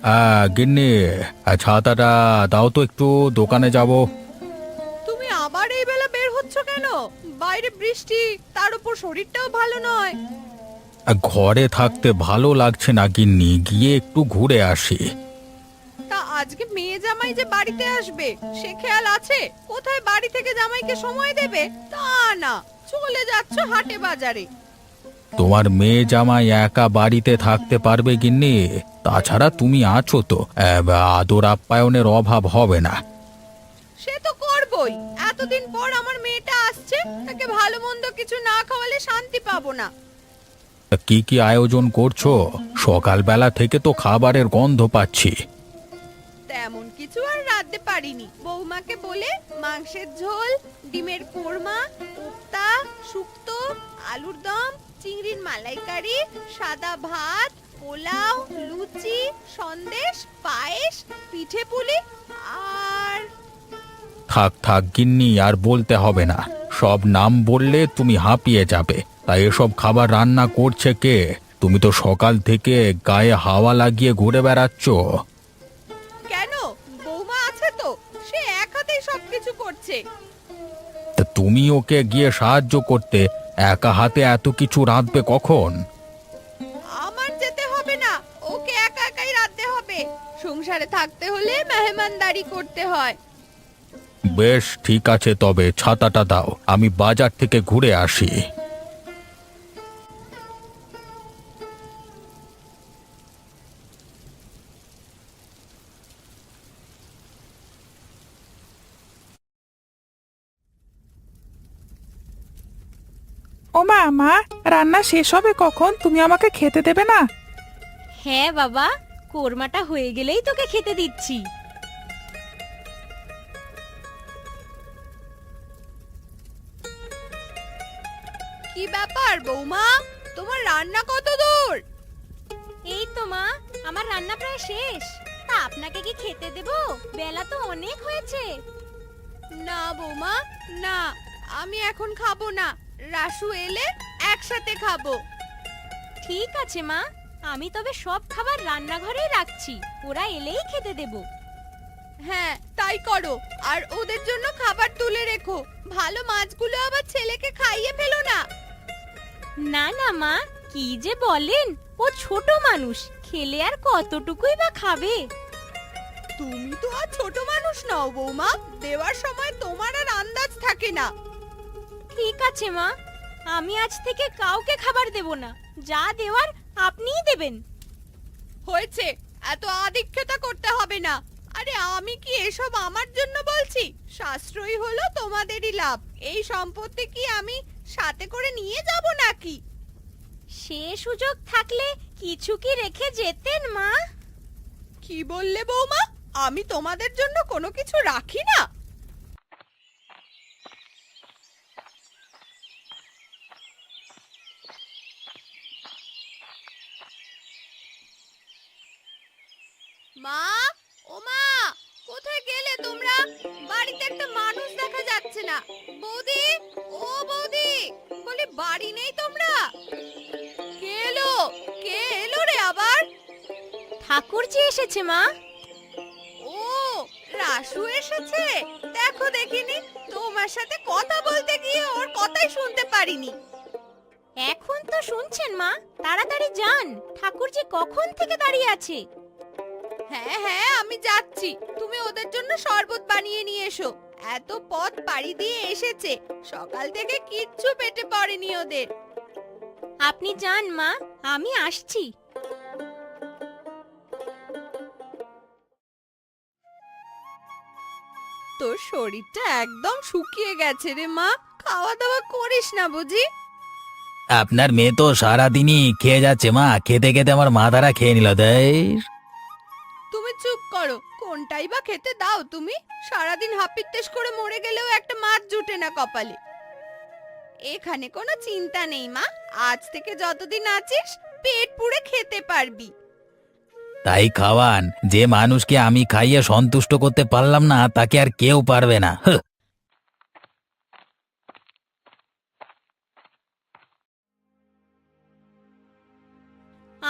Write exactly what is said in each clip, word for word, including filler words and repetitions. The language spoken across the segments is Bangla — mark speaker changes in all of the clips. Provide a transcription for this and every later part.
Speaker 1: আহ গিন্নি, আহ, ছাতাটা দাও তো, একটু দোকানে যাব।
Speaker 2: তুমি আবার এই বেলা বের হচ্ছ কেন? বাইরে বৃষ্টি, তার উপর শরীরটাও ভালো নয়।
Speaker 1: আহ, ঘরে থাকতে ভালো লাগছে না গিন্নি, গিয়ে একটু ঘুরে আসি।
Speaker 2: তা আজকে মেয়ে জামাই যে বাড়িতে আসবে, সে খেয়াল আছে? কোথায় বাড়ি থেকে জামাইকে সময় দেবে তা না, চলে যাচ্ছ হাটে বাজারে।
Speaker 1: তোমার মেয়ে জামাই একা বাড়িতে থাকতে পারবে গিন্নি? তাছাড়া তুমি আছো তো, আহ, আদর আপ্যায়নের অভাব হবে না।
Speaker 2: সে তো করবই, এতদিন পর আমার মেয়েটা আসছে, তাকে ভালো মন্দ কিছু না খাওয়ালে শান্তি পাবো না।
Speaker 1: তা কি কি আয়োজন করছো? সকালবেলা থেকে তো খাবারের গন্ধ পাচ্ছি।
Speaker 2: তেমন কিছু আর রাঁধতে পারিনি, বৌমাকে বলে মাংসের ঝোল, ডিমের কোরমা, কোপ্তা, শুক্তো, আলুর দম, চিংড়ির মালাইকারি, সাদা ভাত, পোলাও, লুচি, সন্দেশ, পায়েস, পিঠে পুলি আর
Speaker 1: থাক থাক গিন্নি, আর বলতে হবে না। সব নাম বললে তুমি হাঁপিয়ে যাবে। তাই এসব খাবার রান্না করছে কে? তুমি তো সকাল থেকে গায়ে হাওয়া লাগিয়ে ঘুরে বেড়াচ্ছ।
Speaker 2: কেন, বৌমা আছে তো, সে এক হাতেই সবকিছু করছে।
Speaker 1: তা তুমি ওকে গিয়ে সাহায্য করতে, একা হাতে এত কিছু রাঁধবে কখন?
Speaker 2: আমার যেতে হবে না, ওকে একা একাই রাঁধতে হবে। সংসারে থাকতে হলে মেহমানদারি করতে হয়।
Speaker 1: বেশ ঠিক আছে, তবে ছাতাটা দাও, আমি বাজার থেকে ঘুরে আসি।
Speaker 3: ও মা, মা, রান্না শেষ হবে কখন? তুমি আমাকে খেতে দেবে না?
Speaker 4: হ্যাঁ বাবা, কোরমাটা হয়ে গেলেই তোকে খেতে দিচ্ছি।
Speaker 2: কি ব্যাপার বৌমা, তোমার রান্না কত দূর?
Speaker 4: এই তো মা, আমার রান্না প্রায় শেষ। তা আপনাকে কি খেতে দেব? বেলা তো অনেক হয়েছে।
Speaker 2: না বৌমা, না, আমি এখন খাবো না। রাসু এলে একসাথে খাবো।
Speaker 4: ঠিক আছে মা, আমি তবে সব খাবার রান্নাঘরেই রাখছি, ওরা এলেই খেতে দেব।
Speaker 2: হ্যাঁ তাই করো, আর ওদের জন্য খাবার তুলে রেখো। ভালো মাছগুলো আবার ছেলেকে খাইয়ে ফেলো না।
Speaker 4: না না মা, কি যে বলেন, ও ছোট মানুষ, খেলে আর কতটুকুই বা খাবে।
Speaker 2: তুমি তো আর ছোট মানুষ নও বৌমা, দেওয়ার সময় তোমার আর আন্দাজ থাকে না।
Speaker 4: ঠিক আছে মা, আমি আজ থেকে কাউকে খাবার দেব না, যা দেওয়ার আপনিই দেবেন।
Speaker 2: হয়েছে, এত আদিক্ষেতা করতে হবে না। আরে আমি কি এসব আমার জন্য বলছি? সাশ্রয়ী হলো তোমাদেরই লাভ। এই সম্পত্তি কি আমি সাথে করে নিয়ে যাব নাকি?
Speaker 4: সে সুযোগ থাকলে কিছু কি রেখে যেতেন মা?
Speaker 2: কি বললে বৌমা? আমি তোমাদের জন্য কোনো কিছু রাখি না? মা, ও মা, কোথায় গেলে তোমরা? বাড়িতে একটা মানুষ দেখা যাচ্ছে না। বৌদি, ও বৌদি, বলি বাড়ি নেই তোমরা? কে এলো? কে এলো রে আবার?
Speaker 4: ঠাকুরজি এসেছে মা।
Speaker 2: ও, রাসু এসেছে। দেখো দেখিনি, তোমার সাথে কথা বলতে গিয়ে ওর কথাই শুনতে পারিনি।
Speaker 4: এখন তো শুনছেন মা, তাড়াতাড়ি যান, ঠাকুরজি কখন থেকে দাঁড়িয়ে আছে।
Speaker 2: হ্যাঁ হ্যাঁ, আমি যাচ্ছি। তুমি ওদের জন্য শরবত বানিয়ে নিয়ে এসো। এত পথ পাড়ি দিয়ে এসেছে, সকাল থেকে কিচ্ছু পেটে পড়েনি ওদের।
Speaker 4: আপনি যান মা, আমি আসছি।
Speaker 2: তোর শরীরটা একদম শুকিয়ে গেছে রে মা, খাওয়া দাওয়া করিস না বুঝি?
Speaker 1: আপনার মেয়ে তো সারাদিনই খেয়ে যাচ্ছে মা, খেতে খেতে আমার মাথাটা খেয়ে নিল দেয়।
Speaker 2: তুমি চুপ করো, কোনটাই বা খেতে দাও তুমি? সারাদিন হাপিত্তেশ করে মরে গেলেও একটা মাছ জুটে না কপালে। এখানে কোনো চিন্তা নেই মা, আজ থেকে যতদিন আছিস পেট পুড়ে খেতে পারবি।
Speaker 1: তাই খাওয়ান, যে মানুষকে আমি খাইয়ে সন্তুষ্ট করতে পারলাম না তাকে আর কেউ পারবে না। হুঁ।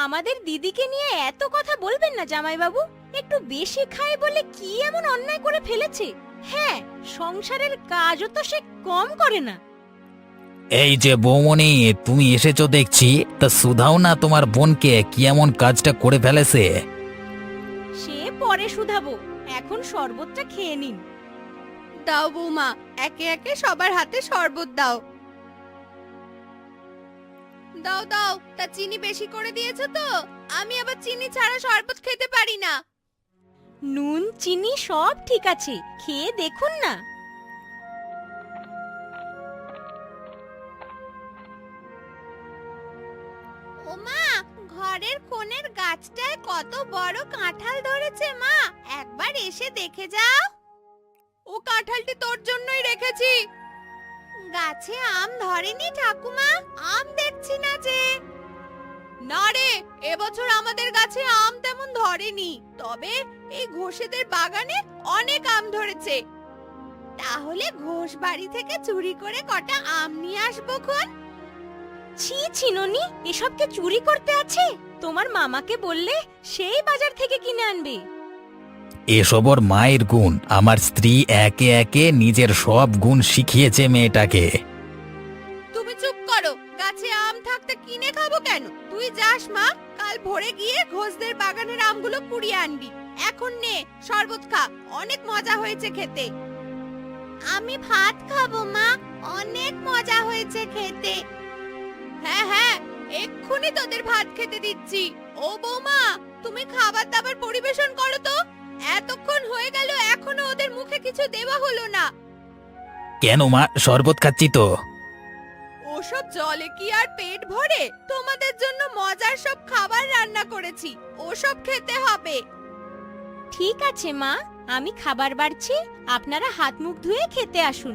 Speaker 4: আমাদের দিদিকে নিয়ে এত কথা বলবেন না জামাইবাবু। একটু বেশি খায় বলে কি এমন অন্যায় করে ফেলেছে? হ্যাঁ, সংসারের কাজও তো সে কম করে না।
Speaker 1: এই যে বৌমনি, তুমি এসেছো দেখছি, তা শুধাও না তোমার বোনকে কি এমন কাজটা করে ফেলেছে।
Speaker 4: সে পরে শুধাবো, এখন শরবতটা খেয়ে নিন।
Speaker 2: দাও বৌমা, একে একে সবার হাতে শরবত দাও। দাও দাও, তা চিনি বেশি করে দিয়েছো তো? আমি আবার চিনি ছাড়া শরবত খেতে পারি না।
Speaker 4: নুন চিনি সব ঠিক আছে, খেয়ে দেখুন না।
Speaker 2: ওমা, ঘরের কোণের গাছটায় কত বড় কাঁঠাল ধরেছে মা, একবার এসে দেখে যাও। ও কাঁঠালটি তোর জন্যই রেখেছি। গাছে আম ধরেনি ঠাকুমা? আম দেখছি না যে। না রে, এবছর আমাদের গাছে আম তেমন ধরেনি, তবে এই ঘোষেদের বাগানে অনেক আম ধরেছে। তাহলে ঘোষ বাড়ি থেকে চুরি করে কটা আম নিয়ে আসবো খন।
Speaker 4: ছি ছি ননি, এসবকে চুরি করতে আছে? তোমার মামাকে বললে সেই বাজার থেকে কিনে আনবে।
Speaker 1: এসব ওর মায়ের গুণ। আমার স্ত্রী একে একে নিজের সব গুণ শিখিয়েছে মেয়েটাকে।
Speaker 2: তুমি চুপ করো, গাছে আম থাকতে কিনে খাবো কেন? তুই যাস মা, কাল ভোরে গিয়ে ঘোষদের বাগানের আমগুলো কুড়িয়ে আনবি। এখন নে শরবত খা, অনেক মজা হয়েছে খেতে। আমি ভাত খাবো মা, অনেক মজা হয়েছে খেতে। হ্যাঁ হ্যাঁ, এক্ষুনি তোদের ভাত খেতে দিচ্ছি। ও বৌমা, তুমি খাবার দাবার পরিবেশন করো তো। এতক্ষণ হয়ে গেল, এখনো ওদের মুখে কিছু দেওয়া হলো না।
Speaker 1: কেন মা, শরবত খাচ্ছি তো।
Speaker 2: ওসব জলে কি আর পেট ভরে? তোমাদের জন্য মজার সব খাবার রান্না করেছি, ওসব খেতে হবে।
Speaker 4: ঠিক আছে মা, আমি খাবার বাড়ছি, আপনারা হাত মুখ ধুয়ে খেতে আসুন।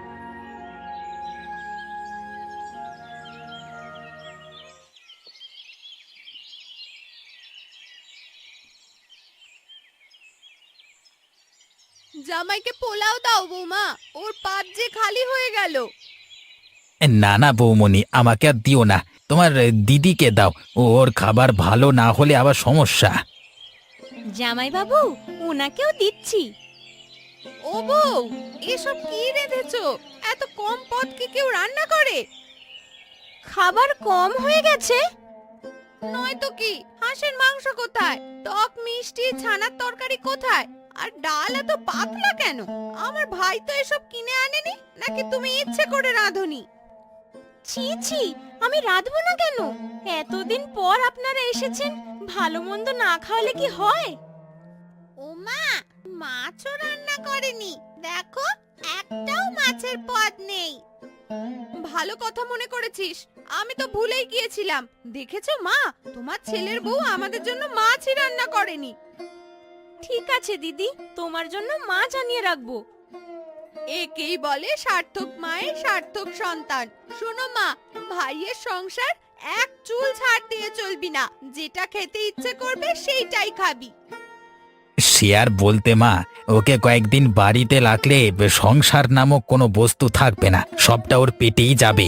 Speaker 2: জামাইকে পোলাও দাও বৌমা, ওর পাত যে খালি হয়ে গেল।
Speaker 1: না না বৌমনি, আমাকে আর দিও না, তোমার দিদিকে দাও। ওর খাবার ভালো না হলে আবার সমস্যা।
Speaker 4: জামাইবাবু, ওনাকেও দিচ্ছি।
Speaker 2: ও বউ, এসব কি রেঁধেছো? এত কম পদ কি কেউ রান্না করে?
Speaker 4: খাবার কম হয়ে গেছে।
Speaker 2: নয়তো কি, হাঁসের মাংস কোথায়? টক মিষ্টি ছানার তরকারি কোথায়? আর ডাল এত পাতলা কেন? আমার ভাই তো এসব কিনে আনেনি, নাকি তুমি ইচ্ছে করে রাঁধুনি?
Speaker 4: ছি ছি, আমি রাঁধবো না কেন? এতদিন পর আপনারা এসেছেন, ভালো মন্দ না খাওয়ালে কি হয়?
Speaker 2: ও মা, মাছও রান্না করেনি, দেখো একটাও মাছের পদ নেই। ভালো কথা মনে করেছিস, আমি তো ভুলেই গিয়েছিলাম। দেখেছো মা, তোমার ছেলের বউ আমাদের জন্য মাছই রান্না করেনি।
Speaker 4: ঠিক আছে দিদি, তোমার জন্য মাছ আনিয়ে রাখবো।
Speaker 2: একেই বলে সার্থক মায়ের সার্থক সন্তান। শোনো মা, ভাইয়ের সংসার এক চুল ছাড় দিয়ে চলবি না, যেটা খেতে ইচ্ছে করবে সেইটাই খাবি।
Speaker 1: সে আর বলতে মা, ওকে কয়েকদিন বাড়িতে রাখলে সংসার নামক কোনো বস্তু থাকবে না, সবটা ওর পেটেই যাবে।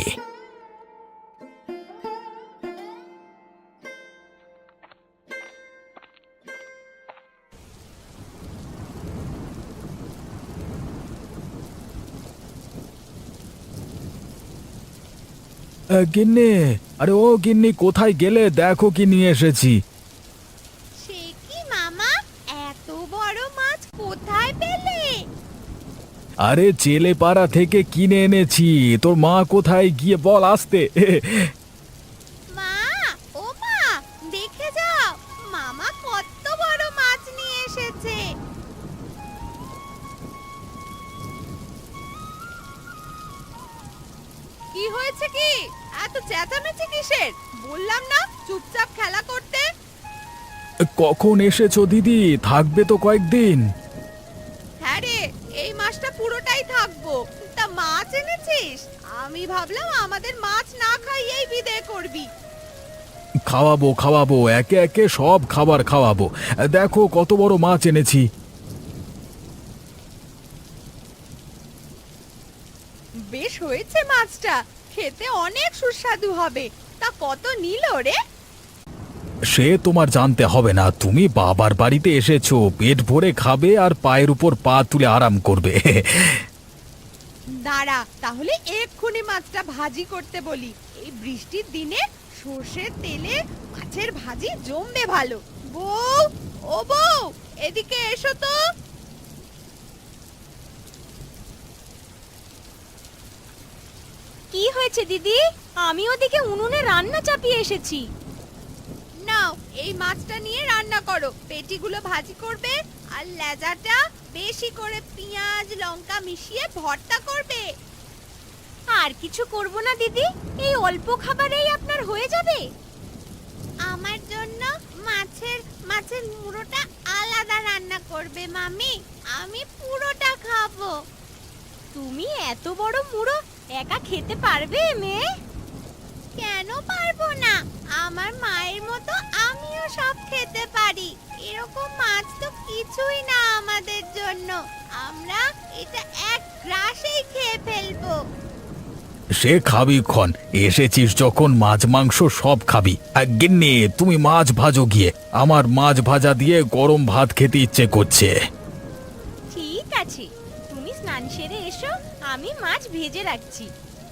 Speaker 1: গিন্নি, আরে ও গিন্নি, কোথায় গেলে? দেখো কি নিয়ে এসেছি।
Speaker 2: সে কি মামা, এত বড় মাছ কোথায় পেলে?
Speaker 1: আরে চেলেপাড়া থেকে কিনে এনেছি। তোর মা কোথায় গিয়ে বল আসতে।
Speaker 2: মা, ও মা, দেখে যাও, মামা কত বড় মাছ নিয়ে এসেছে। কি হয়েছে কি? এত চেঁচামেচি কিসের? বললাম না চুপচাপ খেলা করতে।
Speaker 1: কখন এসেছো দিদি? থাকবে তো কয়েকদিন।
Speaker 2: হ্যাঁ রে, এই মাছটা পুরোটাই থাকবো। তা মাছ এনেছিস? আমি ভাবলাম আমাদের মাছ না খাইয়েই বিদায় করবি।
Speaker 1: খাওয়াবো খাওয়াবো, একে একে সব খাবার খাওয়াবো। দেখো কত বড় মাছ এনেছি।
Speaker 2: বেশ হয়েছে মাছটা, খেতে অনেক সুস্বাদু হবে। তা কত নিল রে?
Speaker 1: সে তোমার জানতে হবে না, তুমি বাবার বাড়িতে এসেছো, পেট ভরে খাবে আর পায়ের উপর পা তুলে আরাম করবে।
Speaker 2: দাঁড়া, তাহলে এক্ষুনি মাছটা ভাজি করতে বলি। এই বৃষ্টির দিনে সর্ষের তেলে মাছের ভাজি জমবে ভালো। বউ, ও বউ, এদিকে এসো তো।
Speaker 4: কি হয়েছে দিদি? আমি ওদিকে উনুনে রান্না চাপিয়ে এসেছি।
Speaker 2: নাও, এই মাছটা নিয়ে রান্না করো। পেটিগুলো ভাজি করবে আর লেজাটা বেশি করে পেঁয়াজ লঙ্কা মিশিয়ে ভর্তা করবে।
Speaker 4: আর কিছু করব না দিদি, এই অল্প খাবারেই আপনার হয়ে যাবে।
Speaker 2: আমার জন্য মাছের মাছের মুড়োটা আলাদা রান্না করবে মামি, আমি পুরোটা খাবো।
Speaker 4: তুমি এত বড় মুড়ো একা খেতে পারবে মেয়ে?
Speaker 2: কেন পারবো না? আমার মায়ের মতো আমিও সব খেতে পারি। এরকম মাছ তো কিছুই না আমাদের জন্য, আমরা এটা এক গ্রাসেই খেয়ে ফেলবো।
Speaker 1: সে খাবি ক্ষণ, এসেছিস যখন মাছ মাংস সব খাবি। আর গিন্নি, তুমি মাছ ভাজো গিয়ে, আমার মাছ ভাজা দিয়ে গরম ভাত খেতে ইচ্ছে করছে।
Speaker 4: ঠিক আছে, তুমি স্নান সেরে এসো, আমি মাছ ভেজে রাখছি।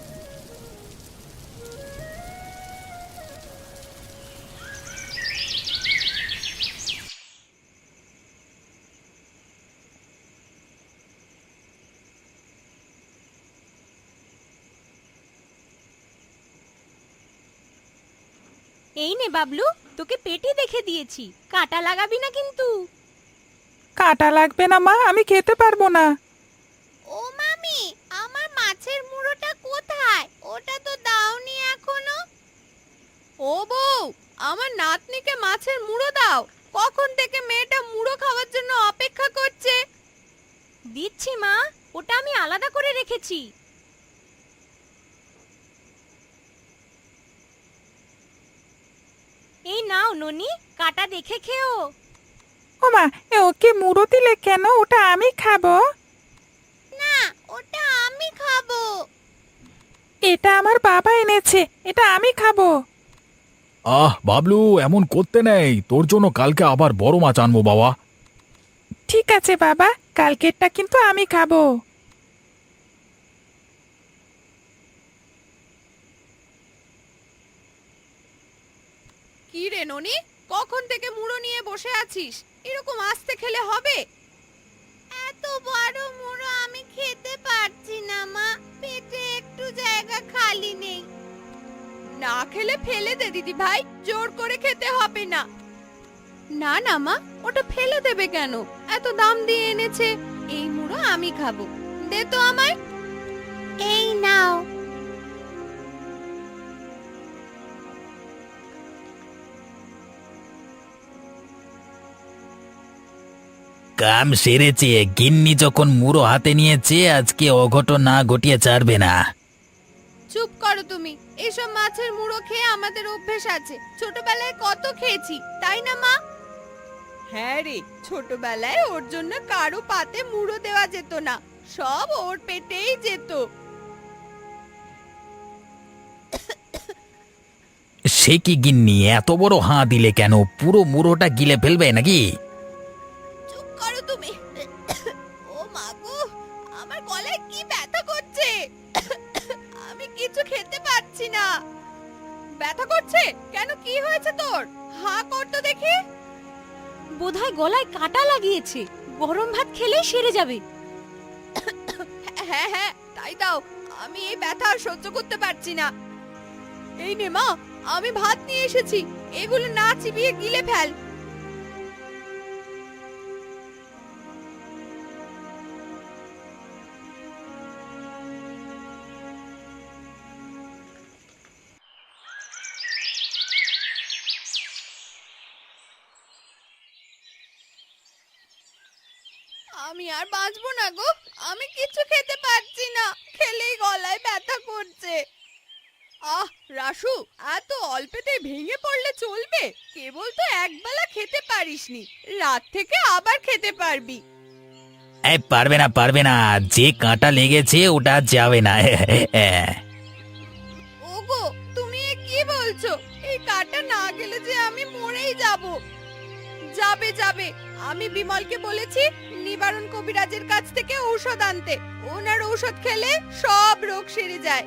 Speaker 4: এই নে বাবলু, তোকে পেটি দেখে দিয়েছি, কাটা লাগাবি না কিন্তু।
Speaker 3: কাটা লাগবে না মা, আমি খেতে পারবো না।
Speaker 2: ও মামি, আমার মাছের মুড়োটা কোথায়? ওটা তো দাওনি এখনো। ও বউ, আমার নাতনিকে মাছের মুড়ো দাও। কখন থেকে মেয়েটা মুড়ো খাওয়ার জন্য অপেক্ষা করছে।
Speaker 4: দিচ্ছি মা, ওটা আমি আলাদা করে রেখেছি। এই নাও ননি, কাটা দেখে খেও।
Speaker 3: ও মা, এ ওকে মুড়ো দিলে কেন? ওটা আমি খাবো।
Speaker 2: না, ওটা আমি খাবো।
Speaker 3: এটা আমার বাবা এনেছে, এটা আমি খাবো।
Speaker 1: আহ বাবলু, এমন করতে নেই, তোর জন্য কালকে আবার বড় মাছ আনবো বাবা।
Speaker 3: ঠিক আছে বাবা, কালকেরটা কিন্তু আমি খাবো।
Speaker 2: কি রে ননি, কখন থেকে মুড়ো নিয়ে বসে আছিস? এরকম আস্তে খেলে হবে? এত বড় মুড়ো আমি খেতে পারছি না মা, পেটে একটু জায়গা খালি নেই। না খেলে ফেলে দে দিদি ভাই, জোর করে খেতে হবে না। না না মা, ওটা ফেলে দেবে কেন? এত দাম দিয়ে এনেছে, এই মুড়ো আমি খাবো। দে তো আমায়। এই নাও।
Speaker 5: কাম সেরেছে, গিন্নি যখন মুড়ো হাতে নিয়েছে, আজকে অঘটন না ঘটিয়ে ছাড়বে না।
Speaker 2: চুপ করো তুমি। এসব মাছের মুড়ো খেয়ে আমাদের অভ্যেস আছে, ছোটবেলায় কত খেয়েছি, তাই না মা? হ্যাঁ রে, ছোটবেলায় ওর জন্য কারো পাতে মুড়ো দেওয়া যেত না, সব ওর পেটেই যেত।
Speaker 5: সে কি গিন্নি, এত বড় হাঁ দিলে কেন? পুরো মুড়োটা গিলে ফেলবে নাকি?
Speaker 2: চুপ করো তুমি। ও মা গো, আমার গলায় কি ব্যথা করছে, আমি কিছু খেতে পারছি না। ব্যথা করছে কেন? কি হয়েছে তোর? হাঁ কর তো দেখি।
Speaker 4: বোধহয় গলায় কাটা লাগিয়েছে, গরম ভাত খেলেই সেরে যাবে।
Speaker 2: হ্যাঁ হ্যাঁ, তাই দাও, আমি এই ব্যথা আর সহ্য করতে পারছি না। এই নে মা, আমি ভাত নিয়ে এসেছি, এগুলো না চিবিয়ে গিলে ফেল। আমি আর বাঁচবো না গো, আমি কিছু খেতে পারছি না, খেলেই গলায় ব্যথা করছে। আহ রাসু, এত অল্পেতে ভেঙে পড়লে চলবে? কেবল তো একবেলা খেতে পারিসনি, রাত থেকে আবার খেতে পারবি।
Speaker 5: এই পারবে না, পারবে না, যে কাঁটা লেগেছে ওটা আর যাবে না।
Speaker 2: ওগো, তুমি এ কি বলছো? এই কাটা না গেলে যে আমি মরেই যাব। যাবে যাবে, আমি বিমলকে বলেছি নিবারণ কবিরাজের কাছ থেকে ঔষধ আনতে। ওনার ঔষধ খেলে সব রোগ সেরে যায়।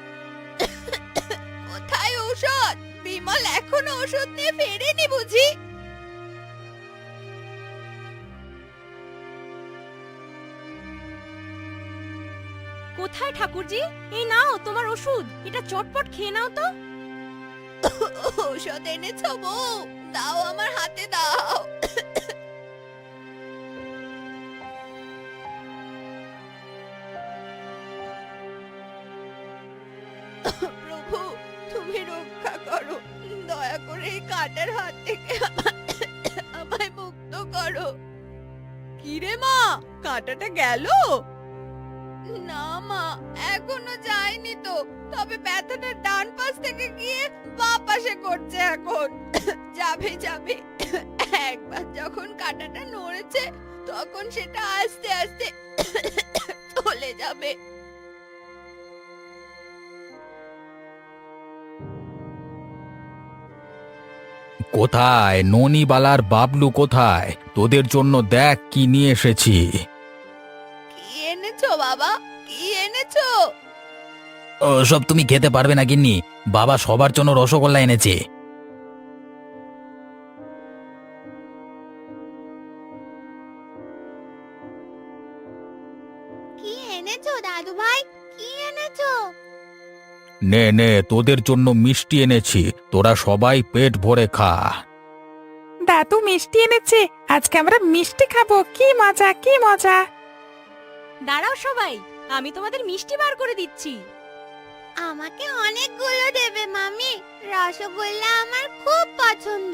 Speaker 2: কোথায় ঔষধ? বিমল এখনো ওষুধ নিয়ে ফেরেনি বুঝি?
Speaker 4: কোথায় ঠাকুরজি? এই নাও তোমার ওষুধ, এটা চটপট খেয়ে নাও তো।
Speaker 2: ঔষধ এনেছো বউ? দাও, আমার হাতে দাও। প্রভু, তুমি রক্ষা করো, দয়া করে এই কাটার হাত থেকে আমায় মুক্ত করো। কিরে মা, কাটাটা গেল? না মা, এখনো যায়নি তো, তবে ব্যথাটা ডান পাশ থেকে গিয়ে বাঁ পাশে করছে এখন। যাবে যাবে, একবার যখন কাটাটা নড়েছে তখন সেটা আস্তে আস্তে চলে যাবে।
Speaker 1: কোথায় ননিবালার বাবলু? কোথায়? তোদের জন্য দেখ কি নিয়ে এসেছি।
Speaker 2: কি এনেছো বাবা, কি এনেছো?
Speaker 5: ও সব তুমি খেতে পারবে না গিন্নি, বাবা সবার জন্য রসগোল্লা এনেছে।
Speaker 2: কি এনেছো দাদু ভাই, কি এনেছো?
Speaker 1: নে নে, তোদের জন্য মিষ্টি এনেছি, তোরা সবাই পেট ভরে খা।
Speaker 3: দাদু মিষ্টি এনেছে, আজকে আমরা মিষ্টি খাবো। কি মজা, কি মজা।
Speaker 4: দাঁড়াও সবাই, আমি তোমাদের মিষ্টি বার করে দিচ্ছি।
Speaker 2: আমাকে অনেকগুলো দেবে মামি, রসগোল্লা আমার খুব পছন্দ।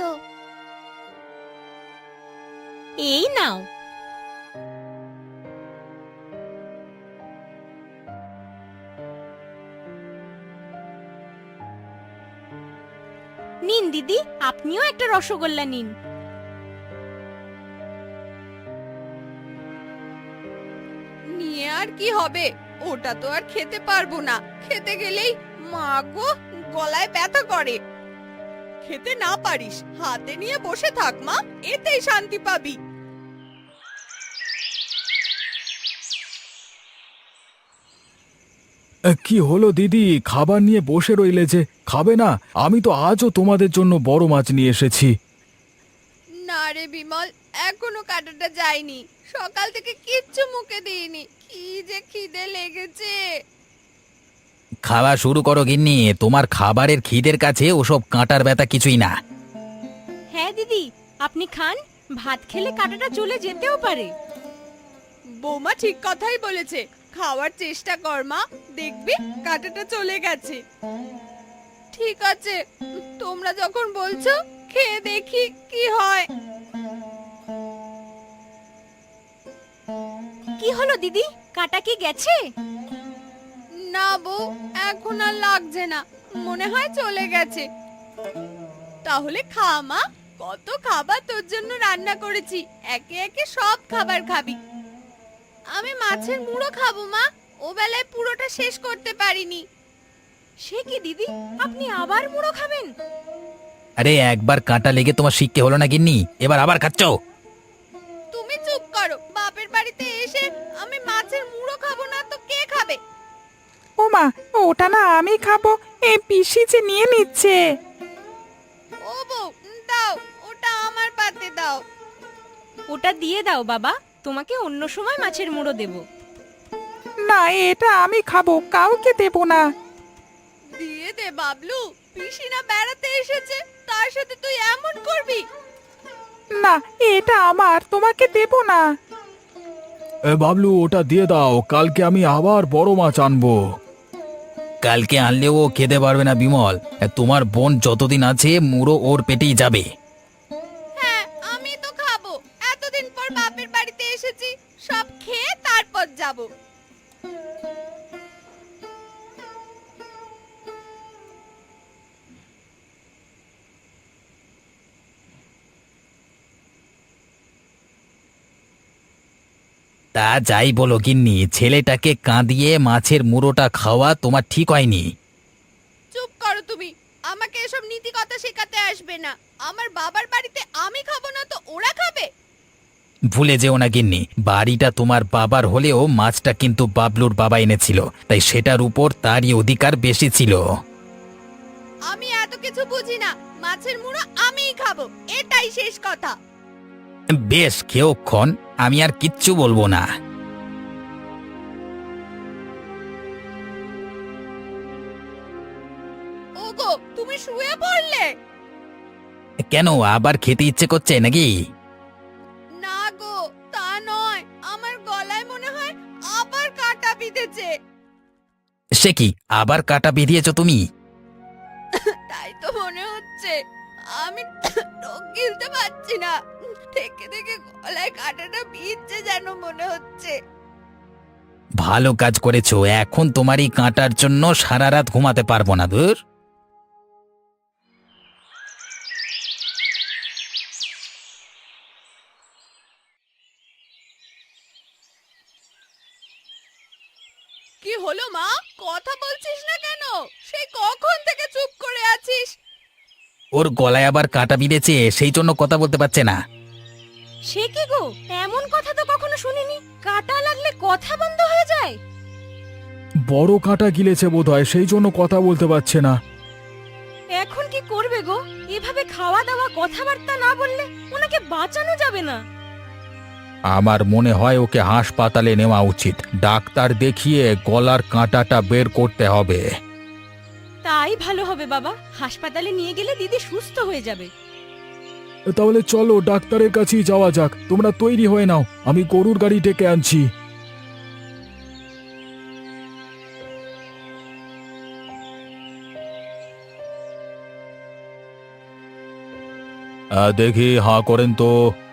Speaker 4: এই নাও। নিন দিদি, আপনিও একটা রসগোল্লা নিন।
Speaker 2: নিয়ে আর কি হবে, ওটা তো আর খেতে পারবো না। খেতে গেলেই মা গো গলায় ব্যথা করে। খেতে না পারিস, হাতে নিয়ে বসে থাক মা, এতেই শান্তি পাবি।
Speaker 1: কি হলো দিদি, খাবার নিয়ে বসে রইলে যে? খাবে না? আমি তো আজও তোমাদের জন্য বড় মাছ নিয়ে এসেছি।
Speaker 2: না রে বিমল, এখনো কাটাটা যায়নি। সকাল থেকে কিচ্ছু মুখে দিইনি, কি যে খিদে লেগেছে।
Speaker 5: খাওয়া শুরু করো গিন্নি, তোমার খাবারের খিদের কাছে ওসব কাঁটার ব্যথা কিছুই না।
Speaker 4: হ্যাঁ দিদি, আপনি খান, ভাত খেলে কাঁটাটা চলে যেতেও পারে।
Speaker 2: বৌমা ঠিক কথাই বলেছে, খাওয়ার চেষ্টা কর মা, দেখবি কাঁটাটা চলে গেছে। ঠিক আছে, তোমরা যখন বলছো খেয়ে দেখি কি হয়।
Speaker 4: কি হলো দিদি, কাঁটা কি গেছে?
Speaker 2: না বউ, এখন আর লাগছে না, মনে হয় চলে গেছে। তাহলে খা মা, কত খাবার তোর জন্য রান্না করেছি, একে একে সব খাবার খাবি। আমি মাছের মুড়ো খাবো মা, ও বেলায় পুরোটা শেষ করতে পারিনি।
Speaker 4: সে কি দিদি, আপনি আবার মুড়ো খাবেন?
Speaker 5: আরে একবার কাঁটা লেগে তোমার শিক্ষে হলো না গিন্নি, এবার আবার খাচ্ছ?
Speaker 2: তুমি চুপ করো, বাপের বাড়িতে এসে আমি মাছের মুড়ো খাবো না তো কে খাবে?
Speaker 3: ও মা, ওটা না আমি খাবো, এই পিসি যে নিয়ে নিচ্ছে।
Speaker 2: ও বউ, দাও, ওটা আমার পাতে দাও।
Speaker 4: ওটা দিয়ে দাও বাবা, তোমাকে অন্য সময় মাছের মুড়ো দেব।
Speaker 3: না, এটা আমি খাবো, কাউকে দেবো না।
Speaker 2: দিয়ে দে বাবলু, পিসিনা বেড়াতে এসেছে, তার সাথে তুই এমন করবি?
Speaker 3: না, এটা আমার, তোমাকে দেবো না।
Speaker 1: এ বাবলু, ওটা দিয়ে দাও, কালকে আমি আবার বড় মাছ আনবো।
Speaker 5: কালকে আনলেও ও খেতে পারবে না বিমল, তোমার বোন যতদিন আছে মুড়ো ওর পেটেই যাবে।
Speaker 2: হ্যাঁ, আমি তো খাবো, এতদিন পর বাপের বাড়িতে এসেছি, সব খেয়ে তারপর যাব।
Speaker 5: তা যাই বলো গিন্নি, ছেলেটাকে কাঁদিয়ে মাছের মুড়োটা খাওয়া তোমার ঠিক হয়নি।
Speaker 2: চুপ করো তুমি, আমাকে এসব নীতি কথা শেখাতে আসবে না। আমার বাবার বাড়িতে আমি খাবো না তো ওরা খাবে?
Speaker 5: ভুলে যেও না গিন্নি, বাড়িটা তোমার বাবার হলেও মাছটা কিন্তু বাবলুর বাবা এনেছিল, তাই সেটার উপর তারই অধিকার বেশি ছিল।
Speaker 2: আমি এত কিছু বুঝি না, মাছের মুড়ো আমিই খাবো, এটাই শেষ কথা।
Speaker 5: বেশ, খেয়োক্ষণ, আমি আর কিচ্ছু বলবো না।
Speaker 2: ওগো, তুমি শুয়ে পড়লে?
Speaker 5: কেন, আবার খেতে ইচ্ছে করছে নাকি?
Speaker 2: না গো, তা নয়, আমার গলায় মনে হয় আবার কাঁটা বিঁধেছে।
Speaker 5: সে কি, আবার কাটা বেরিয়েছ তুমি?
Speaker 2: তাই তো মনে হচ্ছে। আমি রোগ গিলতে পারছি না, থেকে থেকে গলায় কাঁটাটা বিঁধছে যেন মনে হচ্ছে।
Speaker 5: ভালো কাজ করেছো, এখন তোমার এই কাঁটার জন্য সারা রাত ঘুমাতে পারবো না। দূর।
Speaker 2: কি হলো মা, কথা বলছিস না কেন? সেই কখন থেকে চুপ করে আছিস?
Speaker 5: ওর গলায় আবার কাঁটা বিঁধেছে, সেই জন্য কথা বলতে পারছে না।
Speaker 4: সে কি গো, এমন কথা তো কখনো শুনিনি। কাটা লাগলে কথা বন্ধ হয়ে যায়?
Speaker 1: বড় কাঁটা গিলেছে বোধহয়, সেই জন্য কথা বলতে পারছে না।
Speaker 4: এখন কি করবে গো? এভাবে খাওয়া দাওয়া কথাবার্তা না বললে ওনাকে বাঁচানো যাবে না।
Speaker 1: আমার মনে হয় ওকে হাসপাতালে নেওয়া উচিত, ডাক্তার দেখিয়ে গলার কাঁটাটা বের করতে হবে।
Speaker 4: তাই ভালো হবে বাবা, হাসপাতালে নিয়ে গেলে দিদি সুস্থ হয়ে যাবে।
Speaker 1: তাহলে চলো ডাক্তারের কাছেই যাওয়া যাক, তোমরা তৈরি হয়ে নাও, আমি গরুর গাড়ি ডেকে আনছি। দেখি, হাঁ করেন তো।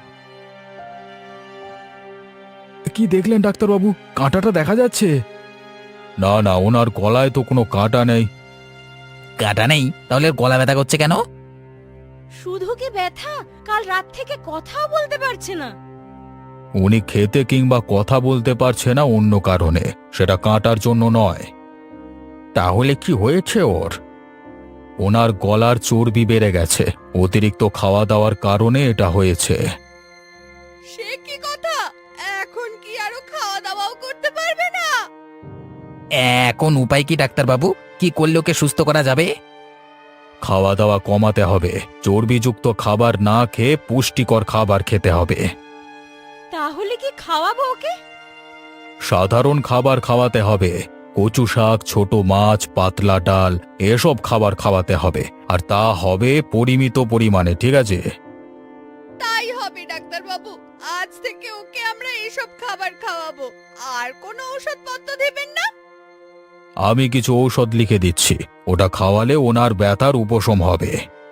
Speaker 1: কি দেখলেন ডাক্তারবাবু, কাঁটাটা দেখা যাচ্ছে? না না, ওনার গলায় তো কোনো কাঁটা নেই।
Speaker 5: কাঁটা নেই? তাহলে ওর গলা ব্যথা করছে কেন?
Speaker 4: শুধু কি ব্যথা, কাল রাত থেকে কথাও বলতে পারছে না।
Speaker 1: উনি খেতে কিংবা কথা বলতে পারছে না অন্য কারণে, সেটা কাঁটার জন্য নয়। তাহলে কি হয়েছে ওর? ওনার গলার চর্বি বেড়ে গেছে, অতিরিক্ত খাওয়া দাওয়ার কারণে এটা হয়েছে।
Speaker 2: সে কি কথা, এখন কি আরো খাওয়া দাওয়াও করতে পারবে না?
Speaker 5: এখন উপায় কি ডাক্তারবাবু? কি করলে ওকে সুস্থ করা যাবে?
Speaker 1: খাওয়া দাওয়া কমাতে হবে, চর্বিযুক্ত খাবার না খেয়ে পুষ্টিকর খাবার খেতে হবে।
Speaker 4: তাহলে কি খাওয়াবো ওকে?
Speaker 1: সাধারণ খাবার খাওয়াতে হবে, কচু শাক, ছোট মাছ, পাতলা ডাল, এসব খাবার খাওয়াতে হবে, আর তা হবে পরিমিত পরিমাণে, ঠিক আছে?
Speaker 2: তাই হবে ডাক্তার বাবু, আজ থেকে ওকে আমরা এসব খাবার খাওয়াবো। আর কোনো ঔষধপত্র দেবেন না?
Speaker 1: আমি কিছু ঔষধ লিখে দিচ্ছি, ওটা খাওয়ালে ওনার ব্যথার উপশম হবে।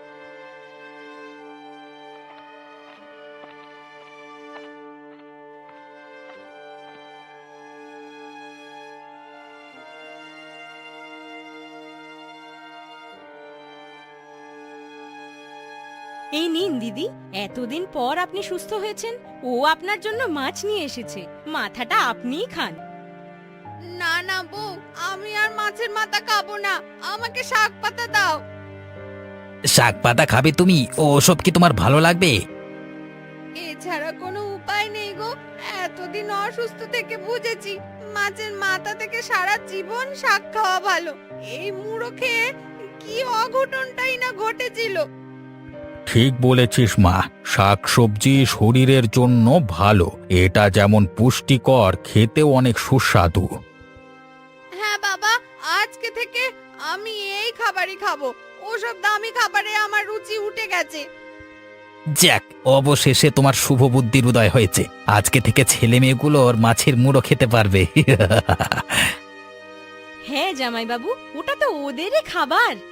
Speaker 4: এই নিন দিদি, এতদিন পর আপনি সুস্থ হয়েছেন। ও আপনার জন্য মাছ নিয়ে এসেছে, মাথাটা আপনিই খান।
Speaker 2: না না বউ, আমি আর মাছের মাথা খাবো না, আমাকে শাক পাতা দাও।
Speaker 5: শাক পাতা খাবে তুমি? ও ওসব কি তোমার ভালো লাগবে?
Speaker 2: এছাড়া কোনো উপায় নেই গো, এতদিন অসুস্থ থেকে বুঝেছি মাছের মাথা থেকে সারা জীবন শাক খাওয়া ভালো। এই মুড়ো খেয়ে কি অঘটনটাই না ঘটেছিল।
Speaker 1: ঠিক বলেছিস মা, শাকসবজি শরীরের জন্য ভালো, এটা যেমন পুষ্টিকর, খেতেও অনেক সুস্বাদু।
Speaker 2: হ্যাঁ বাবা, আজকে থেকে আমি এই খাবারই খাবো, ওসব দামি খাবারে আমার রুচি উঠে গেছে।
Speaker 5: যাক, অবশেষে তোমার শুভ বুদ্ধির উদয় হয়েছে। আজকে থেকে ছেলে মেয়েগুলো ওর মাছের মুড়ো খেতে পারবে।
Speaker 4: হ্যাঁ জামাই বাবু, ওটা তো ওদেরই খাবার।